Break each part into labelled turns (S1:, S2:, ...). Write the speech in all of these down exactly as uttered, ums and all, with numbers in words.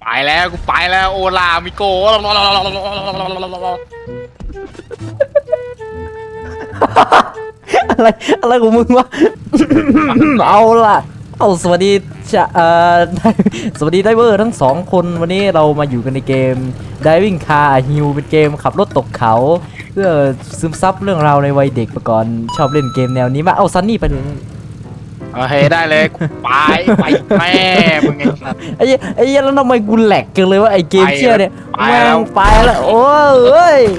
S1: แล้วกูไปแล้วโอลามิโก
S2: อะไรอะไรของมึงวะ เอาล่ะเอาสวัสดีจะเอ่อ สวัสดีไดเวอร์ทั้งสองคนวันนี้เรามาอยู่กันในเกม Diving Car Hill เป็นเกมขับรถตกเขาเพื่อซึมซับเรื่องราวในวัยเด็กมาก่อนชอบเล่นเกมแนวนี้มากเอาซันนี่ไปเลย
S1: โอเคได้เลยไปไปแม่มึงไงสัตว์
S2: ไอ้เหี้ยไอ้เหี้ยแล้วทำไมกูแหลกกันเลยว่าไอ้เกมเชี่ยเนี่ย
S1: ไป
S2: แม่
S1: แล้ว
S2: งไปแล้วโอ้ยเอ้ย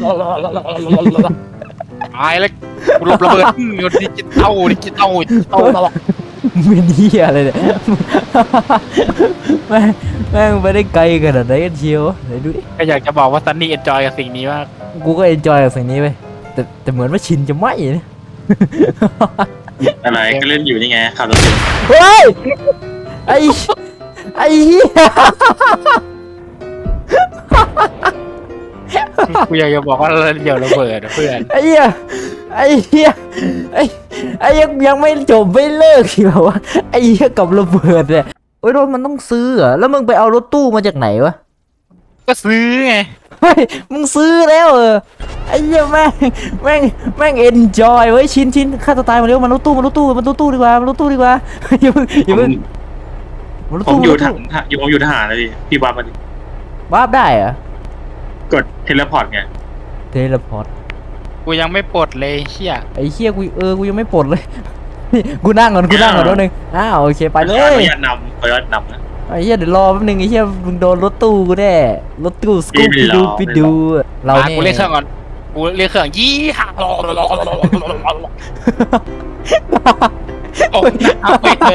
S1: ตายแล้วกูหลบระเบิดดิจิตอลดิจิตอลดิจิตอลตลอด
S2: เป็นเหี้ยอะไรเนี่ย แม่งแม่งไปได้ไกลขนาดไหนกันเชียวไหนดูดิ
S1: ก็อยากจะบอกว่าซันนี่เอนจอยกับสิ่งนี้มาก
S2: กูก็เอนจอยกับสิ่งนี้ไปแต่แต่เหมือนว่าชินจะไม่เนี่ย
S3: อะไรก็เล่นอยู่นี่ไงขับรถอยู่
S2: เฮ้ยไอ้ไอ้เหี้ย
S1: กูอยากจะบอกว่าเดี๋ยวระเบิดเพื่อน
S2: ไอ้เหี้ยไอ้เหี้ยไอ้ไอ้ยังยังไม่จบไม่เลิกอีกเหรอวะไอ้เหี้ยกับระเบิดเนี่ยโอ้ยรถมันต้องซื้อเหรอแล้วมึงไปเอารถตู้มาจากไหนวะ
S1: ก็ซื้อไง
S2: เฮ้ยมึงซื้อแล้วเออไอ้เหี้ยแม่งแม่งแม่งเอนจอยเว้ยชินชินฆ่าตัวตายมาเร็วมันรถตู้มันรถตู้มันรถตู้ดีกว่ามันรถตู้ดีกว่าอย่าเพิ่งอย่า
S3: ผ
S2: เพิ่ง
S3: ม
S2: มันรถ
S3: ผม
S2: ตู้
S3: อยู่
S2: มันรถ
S3: ท
S2: ตู้
S3: หารอยู่ผมอยู่ทหารเลยพี่พี่บ้ามาดิ
S2: วาร์ปได้เหรอก
S3: ดเทเลพอร์ตไง
S2: เทเลพอร์ต
S1: กูยังไม่ปลดเลยเชี่ย
S2: ไอ้เหี้ยกูเออกูยังไม่ปลดเลย กูนั่งก่อนกูนั่งก่อนนิดนึงอ้าวโอเคไปเล
S3: ขอย อนุญาตนำขออนุญาตนำนะ
S2: ไอ้เหี้ยเดี๋ยวรอแป๊บนึงไอ้เหี้ยมึงโดนรถตู้กูแน่รถตู้สกูป
S3: ไม่
S2: ปี้
S3: รอ
S2: ดูไปดู เรา
S1: มา
S2: เนี่ย
S1: กูเรียกเครื่องก่อนกูเรียกเครื่องยี่ห้าโอ้ยเอาไปเลย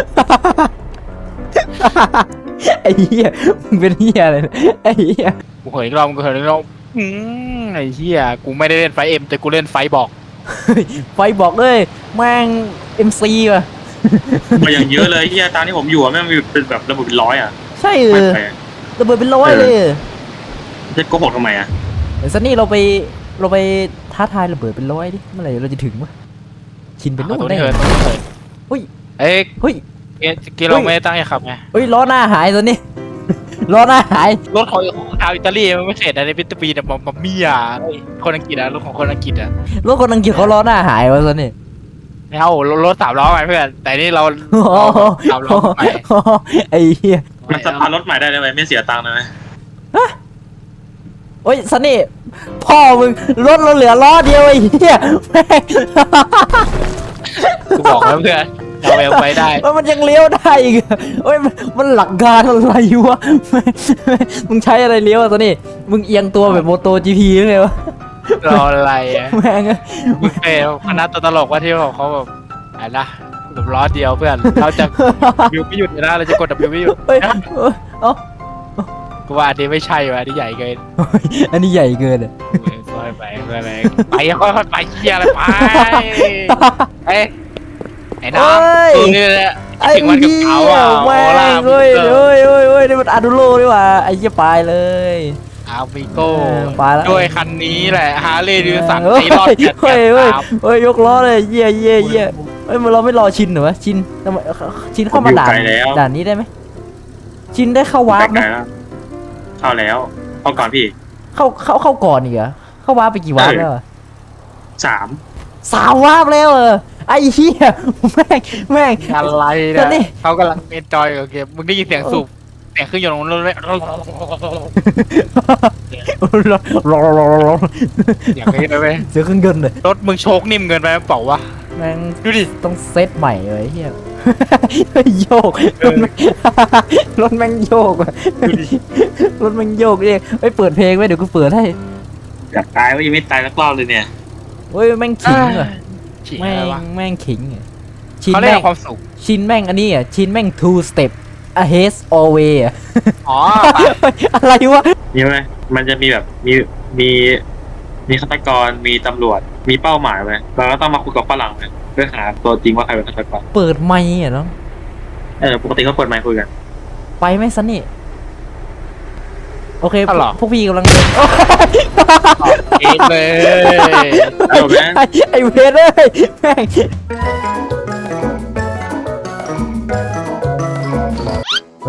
S2: ไอ้เหี้ยมึงเป็นเหี้ยอะไรเนี่ยไอ้เหี้ย
S1: กูเห็นอีกรอบกูเห็นอีกรอบอืมไอ้เหี้ยกูไม่ได้เล่นไฟเอ็มแต่กูเล่นไฟบอก
S2: ไฟบอกเลยแม่ง เอ็ม ซี ว่ะ
S3: มาอย่างเยอะเลยที่ตามที่ผมอยู่อะแม่งมีเป็นแบบระบบเป็นร้อยอ่ะ
S2: ใช่เอ
S3: ไม่
S2: อ
S3: ไป
S2: ระเบิดเป็นร้อยเลย
S3: จะโกหกทำไมอ่ะ
S2: เดี๋ยวซันนี่เราไปเราไปท้าทายระเบิดเป็นร้อยดิเมื่อไหร่เราจะถึงวะชินเป็น
S1: ตั
S2: นู่
S1: วน นี้
S2: ได้
S1: เถิดตัวนี้เถิด
S2: เฮ้ย
S1: เอ้ย
S2: เฮ้ย
S1: กีเราไม่ได้ตั้งใจขับไง
S2: เฮ้ยล้อหน้าหายซันนี่ ล้อหน้าหาย
S1: รถของชาวอิตาลีมันไม่เสร็จนะในพิตปีเนี่ยมามาเมียคนอังกฤษอะรถของคนอังกฤษอะ
S2: รถคนอังกฤษเขาล้อหน้าหายวะซันนี่
S1: ไม่เอารถสามล้อไงเพื่อนแต่นี่เรา
S2: โอ้โห
S1: สามล้อไป
S2: ไอ้เหี้ย
S3: มันสตาร์ทรถใหม่ได้ไหมไม่เสียตังค์เลยไหม
S2: โอ้ยซันนี่พ่อมึงรถเราเหลือล้อเดียวไอ้เหี้ยแม่ง
S1: กูบอกแล้วเพื่อนเราเอลไปได้
S2: แล้วมันยังเลี้ยวได้อีกอะโอ้ยมันมันหลักการอะไรวะแม่งมึงใช้อะไรเลี้ยวอะซันนี่มึงเอียงตัวแบบโมโตจีพีหรือไงวะ
S1: รออะไรอะ
S2: แม่งอะ
S1: มึงเป็นคณะตัวตลกว่าที่บอกเขาแบบอะไรนะแบบล้อเดียวเพื่อนเราจะวิวไม่หยุดเลยนะเราจะกดดับวิวไม่หยุด
S2: เฮ้ยเอ้า
S1: กูว่าอันนี้ไม่ใช่ว่ะอันนี้ใหญ่เกิน
S2: อันนี้ใหญ่เกินอะ
S1: ค่อยไปค่อยไปไปค่อยๆไปเชี่ยอะไรไปเอ้ยไอ้น้องตัวนี้แหละ
S2: ไอ้
S1: ถึงวันกับ
S2: เหี้
S1: เขา
S2: ย
S1: อ่ะโอ
S2: แม่
S1: ลาง
S2: เฮ้ย
S1: เอ
S2: เฮ้
S1: อย
S2: เฮ้ยเฮ้ยนี่มันอาดูโลดีกว่าไอ้เหี้ยปลายเลย
S1: อาวิโก้
S2: เออไปแล้ว
S1: ด้วยคันนี้แหละฮาร์เลย์ดิวสัน
S2: เฮ้ย
S1: ตีรอดแกะ
S2: เฮ้ยเฮ้ย
S1: ตาม
S2: เฮ้ยยกล้อเลยเยี่ยเยี่ยเยี่ยเฮ้ยมันเราไม่รอชินเหรอวะชินทำไมชินเข้ามาด่านด่านนี้ได้ไหมชินได้เข้าวาร์ปไหม
S3: ไกลแล้วเข้าแล้วเข้าก่อนพี่
S2: เข้าเข้าเข้าก่อนอีกเหรอเข้าวาร์ปไปกี่วาร์ปแล้วอะ
S3: สาม
S2: สามวาร์ปแล้วเออไอ้เหี้ยแม่งแม่ง
S1: อะไร
S2: ตอนนี้
S1: เนี่ยเขากำลังเอนจอยกับเกมมึงได้ยินเสียงสูบเสียงเครื่องยนต์ของรถไหม
S2: รอรอรอรอ
S1: เสียงนี้เลยไหม
S2: เสียงเครื่องยนต์เลย
S1: รถมึงโชคนิ่มเกินไปเปล่าวะ
S2: แม่ง
S1: ดูดิ
S2: ต้องเซตใหม่เลยเฮีย โยก
S1: เอ
S2: ร
S1: อ
S2: ถแม่งรถแม่งโยกอะรถแม่งโยกเองเอ้ยเปิดเพลงไว้เดี๋ยวกูเปิดให้
S3: อยากตายว่ายังไม่ตายสักรอบเลยเนี่ย
S2: เฮ้ยแม่งขิงอะ
S1: ฉี่
S2: แม่
S1: อะไร
S2: ง
S1: วะ
S2: แม่งขิงอะชิน
S1: เขาเรีย
S2: แม่
S1: ก
S2: ง
S1: ความสุข
S2: ชินแม่งอันนี้อ่ะชินแม่ง two step ahead always อะ
S1: อ๋อ
S2: อะไรวะ
S3: มีไหมมันจะมีแบบมีมีมีฆาตกรมีตำรวจมีเป้าหมายไหมเราก็ต้องมาคุยกับฝรั่งเลยเพื่อหาตัวจริงว่าใครเป็นฆาตกร
S2: เปิดไมค์อ่ะเนาะ
S3: เออปกติเขาเปิดไมค์คุยกัน
S2: ไปไหมซันนี่โอเค
S1: อ๋อเหรอ
S2: พวกพี่กำลังเดิน
S1: เอ็ดเลย
S3: เอาไหม
S2: ไอ้ไอ้เวรเอ้ยแม่ง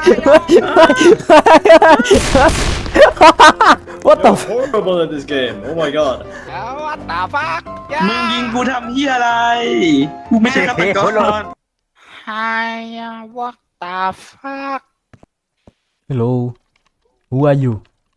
S2: What the
S4: You're horrible at this game. Oh my god.
S1: วัดตาฟัก
S3: มึงยิงกูทำเฮียอะไรกูไม่ใช่ฆาตกร
S1: ไฮวัดตาฟัก
S2: Hello Who are you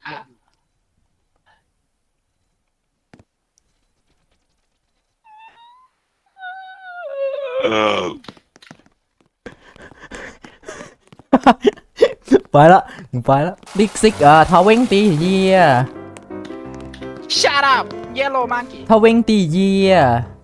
S2: ไปละมึงไปละบิ๊กซิกอ่ะทาเวงตีเยีย
S1: Shut up yellow monkey
S2: ทาเวงตีเยีย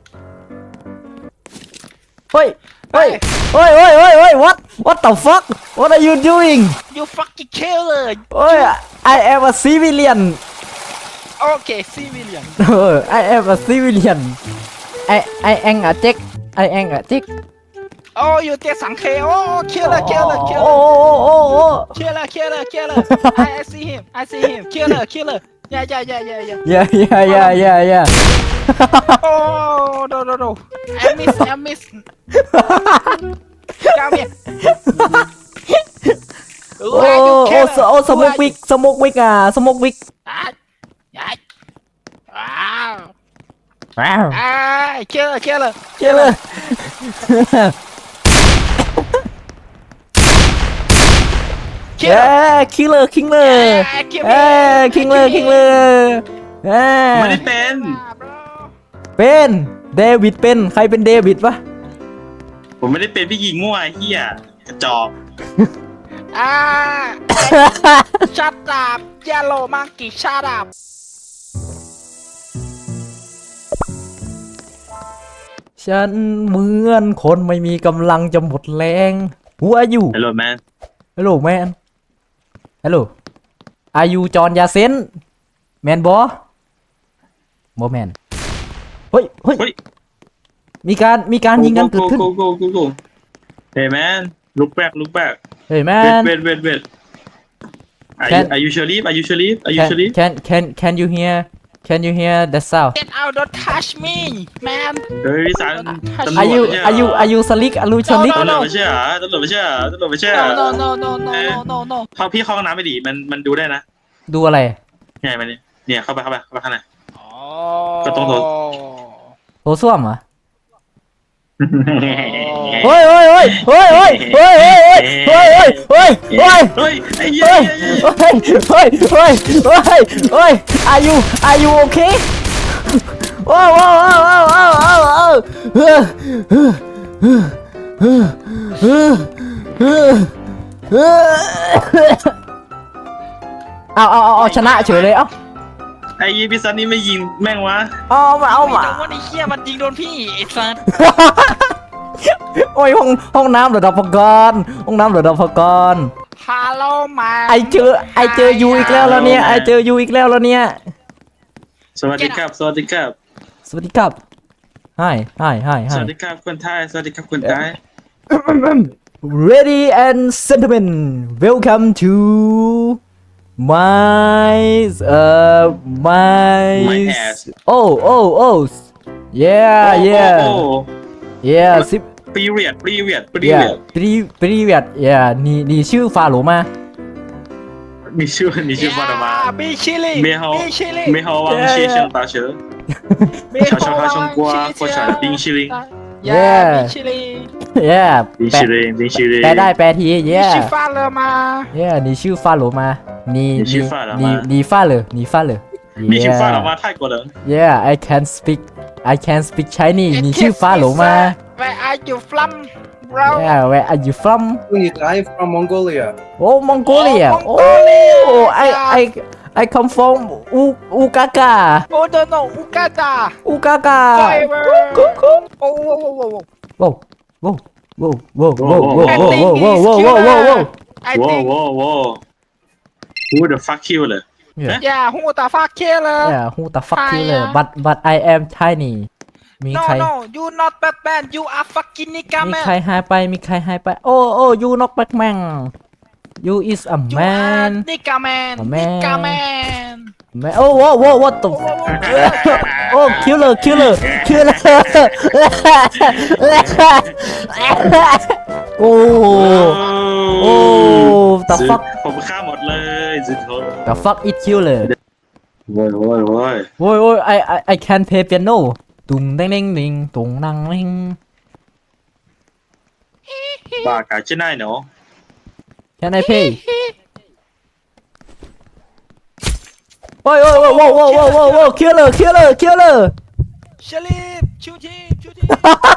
S2: เฮ้ยเฮ้ยเฮ้ยเฮ้ยเฮ้ยเฮ้ย what what the fuck what are you doing
S1: you fucking killer
S2: เฮ้ย I am a civilian
S1: โอเคซีวิเลียน
S2: เออ I am a civilian I I am a Jack I am a Jack
S1: โอ้ยูเจสังเคโอ้เคียร์เลยเคียร์เลยเคียร์
S2: โอ้
S1: เลย
S2: โอ้โอ้โอ้
S1: เคียร์เลยเคียร์เลยเคียร์เลย I I see him I see him เคียร์เลยเคียร์เลย yeah yeah yeah yeah yeah
S2: yeah yeah yeah yeah yeah
S1: โอ้ no no no I miss I miss กาเมีย
S2: โอ้โอ้โอ้สโมกวิกสโมกวิกอ่ะสโมกวิก
S1: อ่ะอ่ะว้าว
S2: ว้าว
S1: อ่ะเคียร์เลยเคียร์เลย
S2: เจ้าเลย
S1: เคียร์
S2: เอ้
S1: เลย
S2: คิงเลยคิงเลยเอ้คิงเลยคิงเลยเอ้
S3: ไม่ได้เป็น
S2: เป็นเดวิดเป็นใครเป็นเดวิดวะ
S3: ผมไม่ได้เป็นพี่ยิงมั่วไอ้เฮียกระจอก
S1: อ่า shut up yellow monkey shut up
S2: ฉันเหมือนคนไม่มีกำลังจะหมดแรงหัวอยู่
S3: ฮัลโหลแมน
S2: ฮัลโหลแมนฮัลโหลอายุจอนยาเซนแมนบอบอแมนเฮ้ยเฮ้ย
S3: เฮ้ย
S2: มีการมีการยิงกันเกิดขึ้น
S3: โกโกโกโกเฮ้ยแมนลุกแบกลุกแบก
S2: เฮ้ยแม
S3: เวท
S2: น
S3: เวทเวทเวทอายุ
S2: Can-
S3: อายุเชอรี่อายุเชอรี่อายุ
S2: can
S3: เชอรี่
S2: can can can you hear can you hear the sound
S1: get out don't touch me man
S3: เฮ้ยสารตำรวจ
S2: อายุ
S3: ไม่ใช่เหร
S2: อายุอายุสลิกอายุสลิก
S1: No,
S3: ตำร
S1: no,
S3: วจไม่ใช่เหรอตำรวจไม่ใช่เหรอตำรวจไม่ใช่เหรอ
S1: no no no no no no no no
S3: เขาพี่เข้าห้องน้ำไม่ดีมันมันดูได้นะ
S2: ดูอะไร
S3: เนี่ยมันเนี่ยเนี่ยเข้าไปเข้าไปเข้าไปข้างใน
S1: อ๋อ
S3: ก็ต้องโทร
S2: โถส้วมเหรอเฮ้ยเฮ้ยเฮ้ยเฮ้ยเฮ้ยเฮ้ยเฮ้ยเฮ้ยเฮ้ยเฮ้ยเฮ้ย
S3: เฮ้ยไอ้เหี้ย
S2: เฮ้ย
S3: เฮ้ย
S2: เฮ้ยเฮ้ยเฮ้ยเฮ้ยเฮ้ย are you are you okay ว้าวว้าวว้าวว้าวว้าวว้าวว้าวเฮ้ยเฮ้ยเฮ้ยเฮ้ยเฮ้ยเฮ้ยเฮ้ยเอาเอาเอาเอาชนะเฉยเลยเอ้า
S3: ไอ้ยี่พี่ซันนี่ไม่ยิงแม่งวะ
S2: เอามาเอามา
S1: แต่ว่าไอ้เหี้ยมันยิงโดนพี่ไอ้สัส
S2: โอ้ยห้องห้องน้ำเหรอดับพกรห้องน้ำเหรอดับพกร
S1: ฮัลโหลมา
S2: ไอเจอไอเจอยูอีกแล้วแล้วเนี่ยไอเจอยูอีกแล้วแล้วเนี่ย
S3: สวัสดีครับสวัสดีครับ
S2: สวัสดีครับ hi hi hi
S3: ส
S2: hi
S3: วัสดีครับคนไทยสวัสดีครับคนไทย
S2: ready and gentlemen welcome to my uh my
S3: My ass
S2: oh oh oh yeah yeah
S3: โอ้
S2: yeah สิบ
S3: ปีเรียดปีเรียดปี
S2: yeah
S3: เรียด
S2: pri привет yeah นี่นี่ชื่อฟาโรมา
S3: มีชื่อมีชื่อว่าอะไรมา
S1: บีชิลี
S3: เมฮา
S1: บีชิลี
S3: เมฮาวางเชียเชียงตาเสือ 小小孩中国国产的冰淇淋
S2: Yeah
S1: บีชิลี
S2: yeah
S3: 冰淇淋冰淇淋
S2: แปลได้แปลที
S1: บี
S2: yeah
S1: ชิฟ้าเลยมา
S2: yeah 你ชื่อฟาโรมา你
S3: 你ชื่
S2: 你
S3: อฟาโรมา
S2: 你你发了你发了
S3: 你去发了吗泰国人
S2: yeah I can speak I can speak Chinese 你ชื่อฟาโรมา
S1: Where are you from bro
S2: yeah where are you from
S4: I'm from Mongolia.
S2: oh Mongolia
S1: Oh, Mongolia.
S2: oh I I I come from U Ukaka
S1: Oh no no Uganda
S2: Ukaka
S1: Forever Oh whoa whoa whoa whoa
S2: whoa whoa whoa whoa whoa whoa whoa whoa whoa whoa whoa whoa
S1: I
S3: ว้าว
S1: think
S3: ว้าวว้าว Who the fuck you เลย
S1: yeah who the fuck killer
S2: yeah who the fuck
S1: Hi,
S2: killer
S1: uh.
S2: but but I am tiny มี
S1: No
S2: ใคร
S1: no you not Batman you are fucking nigga
S2: มี
S1: man
S2: ใครหายไป มีใครหายไป โอ้โอ้ยูนอกแบ็กแมน you is a
S1: You
S2: man
S1: are nigga man
S2: A man.
S1: nigga man
S2: แมนโอ้โว้โว้ what the โอ้ killer killer killer โอ้โอ้ the fuck
S3: ผมฆ่าหมดเลยสุดโหด
S2: the fuck it killer
S3: โว้ยโว้ยโว้ย
S2: โอ้ยโอ้ย I I I can play piano ตุงเด้งเด้งดิงตุงนังเด้ง
S3: บ้ากาจะได้เนาะ
S2: Can I play โอ้ยโอ้ยโอ้ยโอ้ยโอ้ยโอ้ยโอ้ยโอ้ย killer killer killer
S1: Shalip shoot him shoot him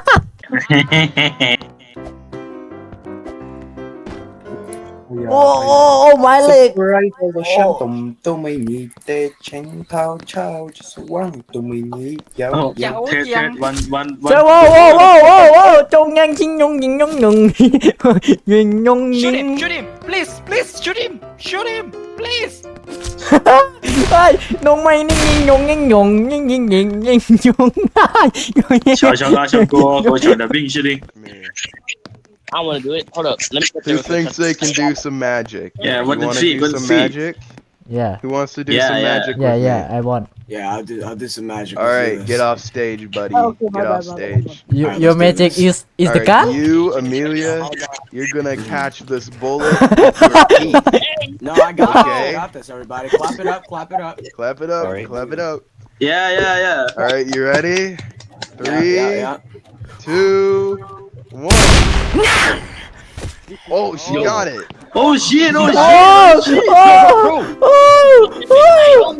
S2: โอ้โอ้โอ้ my leg
S4: Right over sân tùng tụi mày nhị tê chánh thao trao cho số quăng tụi mày nhị giáo
S3: โอ้
S1: Dạo
S3: เทสเทส
S1: dàng.
S3: วันวันวั
S2: เจ้าโอ้โอ้โอ้โอ้โอ้จงยังชิงยงยิงยงหนึ่งยิงยงยิ
S1: shoot
S2: ง
S1: him shoot him please please shoot him shoot him please
S2: เฮ้ยนงไม่นิ่งยิงยงยิงยงยิงยิงยิงยิงยงได้ยงยิง
S3: 小小大小哥和小的冰淇淋。
S5: I want to do it. Hold up. Let me.
S6: Who thinks they can do some magic?
S3: Yeah,
S6: You
S3: what the
S6: wanna
S3: cheek,
S6: do
S3: what the
S6: some
S3: cheek?
S6: magic?
S2: yeah
S6: Who wants to do
S3: Yeah,
S6: some
S3: yeah.
S6: magic
S2: yeah
S6: with
S2: yeah
S6: me?
S2: I want
S4: Yeah, I'll do. I'll do some magic.
S6: All right, get off stage, buddy.
S7: Okay, my
S6: Get
S7: bad,
S6: off
S7: my bad,
S6: stage.
S2: you,
S4: Alright,
S2: your
S4: let's do
S2: magic
S4: this.
S2: is is
S6: All
S2: the
S6: right,
S2: gun
S6: you, Amelia, you're gonna catch this bullet with your teeth.
S4: No, I got
S6: Okay.
S4: it. I got this, everybody. Clap it up. Clap it up.
S6: Clap it up.
S5: Alright.
S6: Clap it up.
S3: Yeah, yeah, yeah.
S6: All right, you ready?
S4: Yeah,
S6: Three,
S4: yeah, yeah.
S6: two, one. Oh, she got it.
S3: Oh shit! Oh shit!
S2: oh oh oh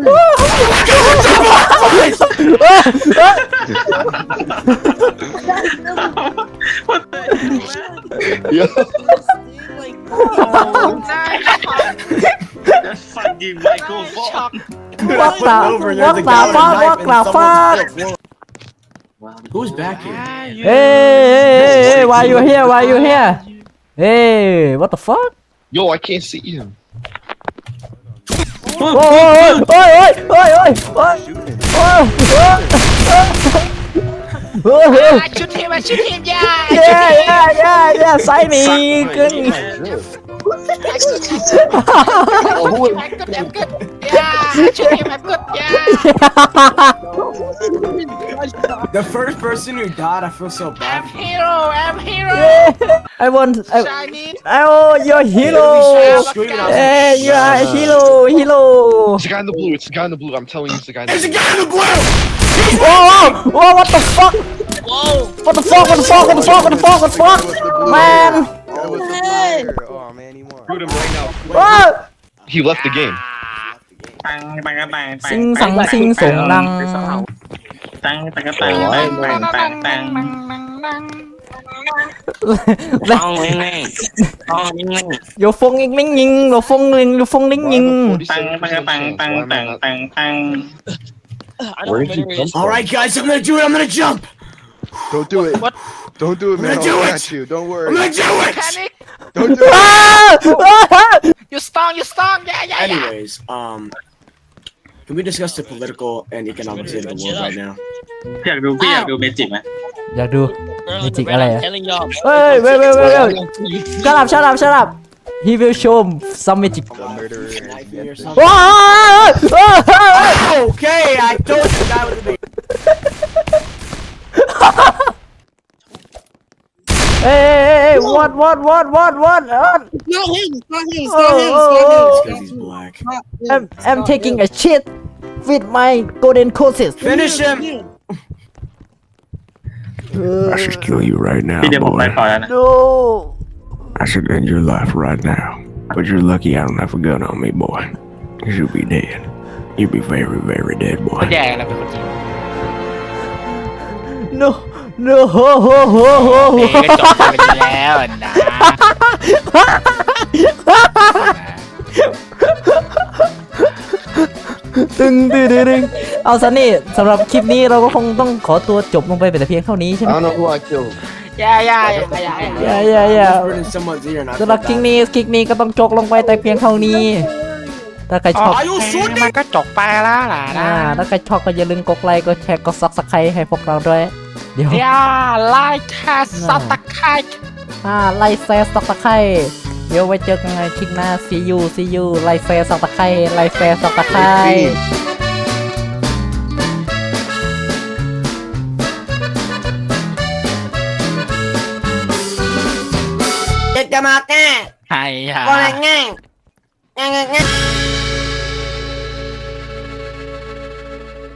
S6: Yeah.
S3: That fucking microphone.
S2: what the what the fuck what the fuck
S4: Who's back here?
S2: hey hey hey why you here why you here hey what the fuck
S5: Yo, I can't see him.
S2: โอ้ยโอ้ยโอ้ยโอ้ยโอ้ยโอ้ยโอ้ยโอ้ย
S1: ชุดทีมชุดทีมยา
S2: เย้เย้เย้เย้ไซมีกึ่ง
S5: Oh, who is
S1: กดแอมกดยาชุดทีมแอมกดยา
S4: The first person who died, I feel so
S1: แอ
S4: bad.
S1: มฮีโร่แอมฮีโร่
S2: I want I
S1: ชายนิด
S2: oh your hero
S4: Screaming, I was
S2: hey
S4: like,
S2: you are hero hero
S5: It's the guy in the blue. It's the guy in the blue. I'm telling you, it's the guy in the
S4: There's a
S5: blue.
S4: guy in the blue.
S2: oh oh what the fuck what the fuck what the fuck what the fuck what the fuck what the fuck man
S6: That was the player. Oh man, he won.
S5: Shoot him right now.
S2: oh
S5: He left the game.
S3: ตังตังตัง
S2: สิงสังสิงส่งดัง
S3: ตังตังตังตังตังตังตัง
S5: Oh, man. Oh, man.
S2: โยฟงยิงลิงยิงโยฟงลิงโยฟงลิงยิง
S3: ตังตังตังตังตังตังตัง
S5: I know better is.
S4: All right, guys, I'm gonna do it. I'm gonna jump.
S6: Don't do it.
S1: What?
S6: Don't do it, man.
S4: I'm gonna do
S6: I'll
S4: it.
S6: catch you. Don't worry.
S4: I'm gonna do it.
S1: panic
S6: Don't do it.
S1: you strong you strong ยายายา
S4: Anyways, um, can we discuss the political and economic state of the world right now?
S3: อยากดูพี่อยากดูเมจิกไหม
S2: อยากดู Magicอะไรอะ
S5: Telling y'all.
S2: เฮ้ยเว้ยเว้ยเว้ยเว้ย shut up shut up shut up he will show some magic
S6: The murderer.
S4: Knife me or
S6: is
S4: something?
S2: ว้าว
S4: Okay, I told you that was the
S2: Hey, hey, hey, what, what, what, what, what? what?
S8: Not him. Not him.
S2: Oh,
S8: Not him.
S2: oh,
S8: Not him.
S2: oh.
S4: because he's black.
S2: I'm, I'm taking a shit with my golden courses.
S4: Finish him.
S9: I should kill you right now,
S3: พี่เดี๋ยวผมไป
S9: boy.
S3: ต่อแล้วนะ
S2: No.
S9: I should end your life right now. But you're lucky I don't have a gun on me, boy. You'll be dead. You'll be very, very dead,
S1: คน
S9: boy.
S1: แย่นะเป็นคนจริง
S2: No. No. Ho, ho, ho, ho,
S1: เม
S2: ho.
S1: ย์ก็จบไปแล้วนะ
S2: ตึงตึงตึงตึงเอาซะนี่สำหรับคลิปนี้เราก็คงต้องขอตัวจบลงไปแต่เพียงเท่านี้ใช่ไหม
S5: I don't know who I killed.
S1: ยายายายา
S2: อย่าอย่าอย่า
S4: Whispered in someone's ear, and I
S2: สำหรับ
S4: feel
S2: คลิป
S4: bad.
S2: นี้คลิปนี้ก็ต้องจบลงไปแต่เพียงเท่านี้ ถ้าใครชอบ
S4: Are you
S1: มัน
S4: shooting?
S1: ก็จบไปแล้วล่ะนะ
S2: อ่าถ้าใครชอบก็อย่าลืมกดไลค์กดแชร์กดซับสไครต์ให้พวกเราด้วย เดี๋ยว
S1: อย่าไลค์แค่สับตะไคร้
S2: อ่าไลค์แชร์ซับสไครต์เดี๋ยวไว้เจอกันในคลิปหน้า see you see you ไลค์แชร์ซับสไครต์ไลค์แชร์ซับสไครต์
S8: Chết cho mà cái.
S1: ให้ฮะ
S8: Con này ngang. Ngang ngang ngang.